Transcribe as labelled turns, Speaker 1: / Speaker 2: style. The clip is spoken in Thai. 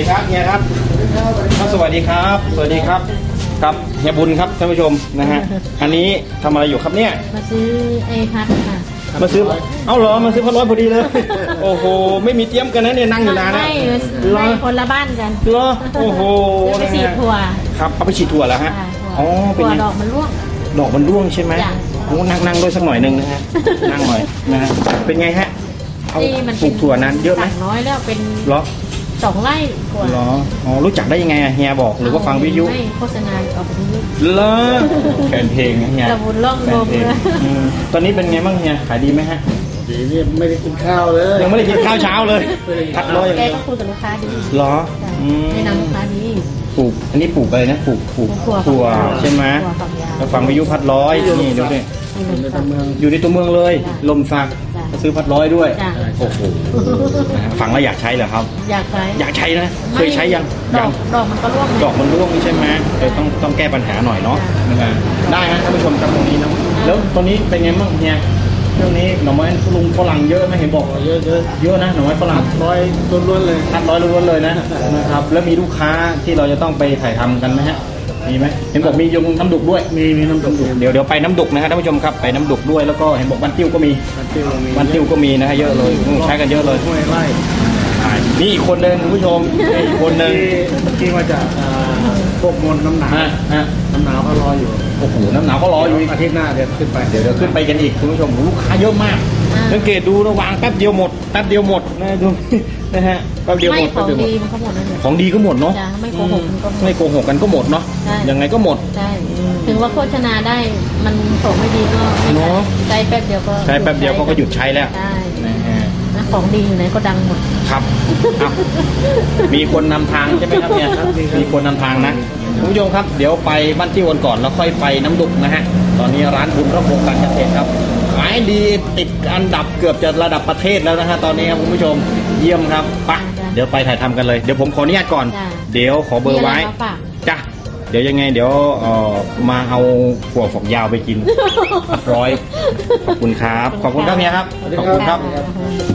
Speaker 1: ครับเฮียครับครับสวัสดีครับสวัสดีครับครับเฮียบุญครับท่านผู้ชมนะฮะอันนี้ทำอะไรอยู่ครับเนี่ย
Speaker 2: มาซื้อไอ้พัดค่ะ
Speaker 1: มาซื้อเอ้าเหรอมาซื้อพัดร้อยพอดีเลยโอ้โหไม่มีเตรียมกันนะเนี่ยนั่งอยู่นานนะ
Speaker 2: ไม่คนละบ้านกัน
Speaker 1: เหรอโอ้โห
Speaker 2: ไปฉีดถั่ว
Speaker 1: ครับเอาไปฉีดถั่วแล้วฮะ
Speaker 2: อ๋อถั่วดอกมันร่วง
Speaker 1: ดอกมันร่วงใช่ไหมโอ้นั่งด้วยสักหน่อยนึงนะฮะนั่งหน่อยนะฮะเป็นไงฮะเอาปลูกถั่วนั้นเยอะไหม
Speaker 2: น้อยแล้วเป็น
Speaker 1: เหรอ
Speaker 2: 2 ไร่ถั่ว
Speaker 1: เหรออ๋อรู้จักได้ยังไงเฮียบอกหรือว่าฟังวิทยุ
Speaker 2: ไม่โฆษณาออกวิทยุ
Speaker 1: เหรอแฟนเพลงเฮีย
Speaker 2: ตะบุญล่องลมเลย
Speaker 1: ตอนนี้เป็นไงบ้างเฮียขายดีไหมฮะ
Speaker 3: ดีนี่ไม่ได้กินข้าวเลย
Speaker 1: ยังไม่ได้กินข้าวเช้าเลยพัดร้อยอย่าง
Speaker 2: เดี
Speaker 1: ยว
Speaker 2: ก็คุยกับลูกค้าดี
Speaker 1: เหรอ
Speaker 2: แนะนำลูกค้าดี
Speaker 1: ปลูกอันนี้ปลูกอะไรนะปลูกถั่วใช่ไหมแล้วฟังวิทยุพัดร้อยนี่ดูดิอยู่ในตัวเมืองเลยลมสักซื้อพัดร้อยด้วยโอ้โหฟังแล้วอยากใช้เหรอครับอยากใช้นะเคยใช้ยัง
Speaker 2: ดอกมันก็ร่วง
Speaker 1: ดอกมันร่วงใช่ไหมต้องแก้ปัญหาหน่อยเนาะได้ฮะท่านผู้ชมครับตรงนี้นะแล้วตอนนี้เป็นไงบ้างเนี่ยเรื่องนี้หน่อไม้ลุงฝรั่งเยอะไหมเห็นบอก
Speaker 3: เยอะ
Speaker 1: นะหน่อไม้ฝรั่ง
Speaker 3: ร้อยล้วนเลย
Speaker 1: ร้อยล้วนเลยนะครับแล้วมีลูกค้าที่เราจะต้องไปถ่ายทำกันไหมฮะมีไหมเห็นบอกมียงน้ำดุกด้วย
Speaker 3: มีน้ำดุก
Speaker 1: เดี๋ยวไปน้ำดุกนะครับท่านผู้ชมครับไปน้ำดุกด้วยแล้วก็เห็นบอกบ้านติ้วก็มีบ้านติ้วก็มีนะฮะเยอะเลยใช้กันเยอะเลย
Speaker 3: ไล่
Speaker 1: นี่อีกคนหนึ่งคุณผู้ชมอีกคนหนึ่ง
Speaker 3: ที่มาจากพวกมลน้ำหนาวก็รออยู่
Speaker 1: โอ้โหน้ำหนาวก็รออยู่
Speaker 3: อาทิตย์หน้าเดี๋ยวขึ้นไป
Speaker 1: เดี๋ยวขึ้นไปกันอีกคุณผู้ชมลูกค้าเยอะมากสังเกตดูระวางแป๊บเดียวหมดนะดูนะฮะแป๊บเดียวหมด
Speaker 2: ของดีมันก็หมดนั่นแหละ
Speaker 1: ของดีก็หมดเนาะ
Speaker 2: ไม่โกหก
Speaker 1: กันก็หมดเนาะยังไงก็หมด
Speaker 2: ใช่ถึงว่าโฆษณาได้มันส่งไม่ดีก็ใช้แป๊บเดียว
Speaker 1: ก็หยุดใช้แล้ว
Speaker 2: ของดีอยู่ไหนก็ดังหมด
Speaker 1: ครับมีคนนำทางใช่ไหมครับเนี่ยมีคนนำทางนะคุณผู้ชมครับเดี๋ยวไปบ้านที่วันก่อนแล้วค่อยไปน้ำดุกนะฮะตอนนี้ร้านบุญระพงการเกษตรครับขายดีติดอันดับเกือบจะระดับประเทศแล้วนะฮะตอนนี้ครับคุณผู้ชมเยี่ยมครับไปเดี๋ยวไปถ่ายทำกันเลยเดี๋ยวผมขออนุญาตก่อนเดี๋ยวขอเบอร์ไว้จ้ะเดี๋ยวยังไงเดี๋ยวมาเอาถั่วฝักยาวไปกินร้อยขอบคุณครับขอบคุณครับเนี่ยครับขอบคุณครับ